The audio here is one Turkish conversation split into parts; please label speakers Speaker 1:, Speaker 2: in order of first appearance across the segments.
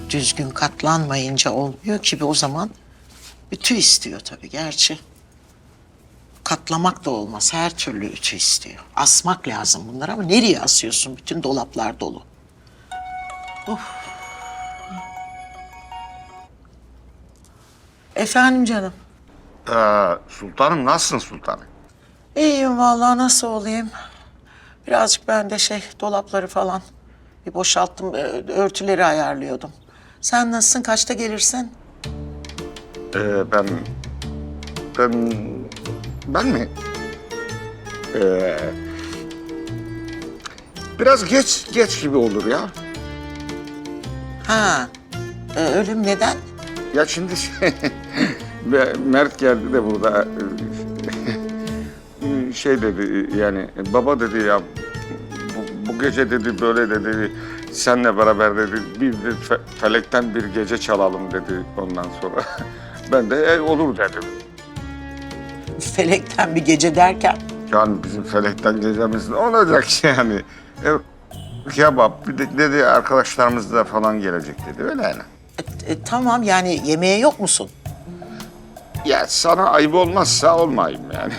Speaker 1: düzgün katlanmayınca olmuyor ki o zaman ütü istiyor tabii gerçi. Katlamak da olmaz, her türlü ütü istiyor. Asmak lazım bunları ama nereye asıyorsun? Bütün dolaplar dolu. Of. Efendim canım.
Speaker 2: Sultanım nasılsın sultanım?
Speaker 1: İyiyim vallahi, nasıl olayım? Birazcık ben de dolapları falan bir boşalttım, örtüleri ayarlıyordum. Sen nasılsın, kaçta gelirsin?
Speaker 2: Ben mi? Biraz geç gibi olur ya.
Speaker 1: Ha, ölüm neden?
Speaker 2: Ya şimdi Mert geldi de burada dedi yani baba dedi ya bu gece dedi böyle dedi senle beraber dedi bir felekten bir gece çalalım dedi ondan sonra. Ben de olur dedim.
Speaker 1: Felekten bir gece derken?
Speaker 2: Yani bizim felekten gecemiz ne olacak yani? Kebap bir de dedi arkadaşlarımız da falan gelecek dedi öyle yani.
Speaker 1: Tamam, yani yemeğe yok musun?
Speaker 2: Ya sana ayıp olmazsa olmayayım yani.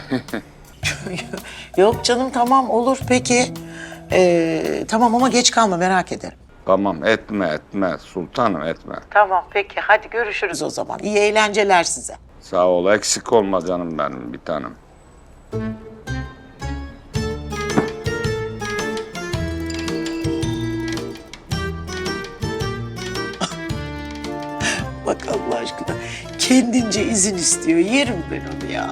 Speaker 1: Yok canım, tamam olur peki. Tamam ama geç kalma, merak ederim.
Speaker 2: Tamam etme sultanım etme.
Speaker 1: Tamam peki, hadi görüşürüz o zaman. İyi eğlenceler size.
Speaker 2: Sağ ol eksik olma canım benim bir tanem.
Speaker 1: Bak Allah aşkına, kendince izin istiyor. Yerim ben onu ya.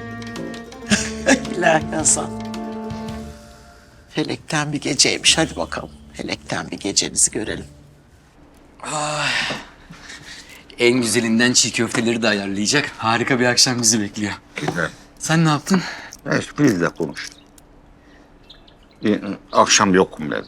Speaker 1: İlahi Hasan. Felekten bir geceymiş. Hadi bakalım. Felekten bir gecenizi görelim.
Speaker 3: En güzelinden çiğ köfteleri de ayarlayacak. Harika bir akşam bizi bekliyor.
Speaker 2: Güzel.
Speaker 3: Sen ne yaptın?
Speaker 2: Evet biz de konuştuk. Akşam yokum dedim.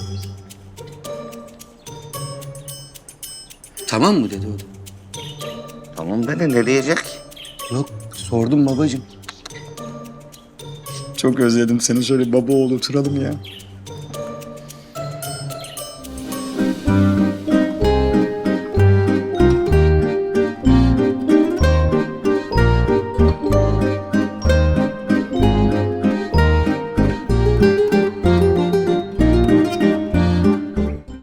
Speaker 3: Tamam mı dedi o da.
Speaker 2: Tamam dedi ne diyecek?
Speaker 3: Yok, sordum babacığım.
Speaker 4: Çok özledim seni. Şöyle baba oğul oturalım ya.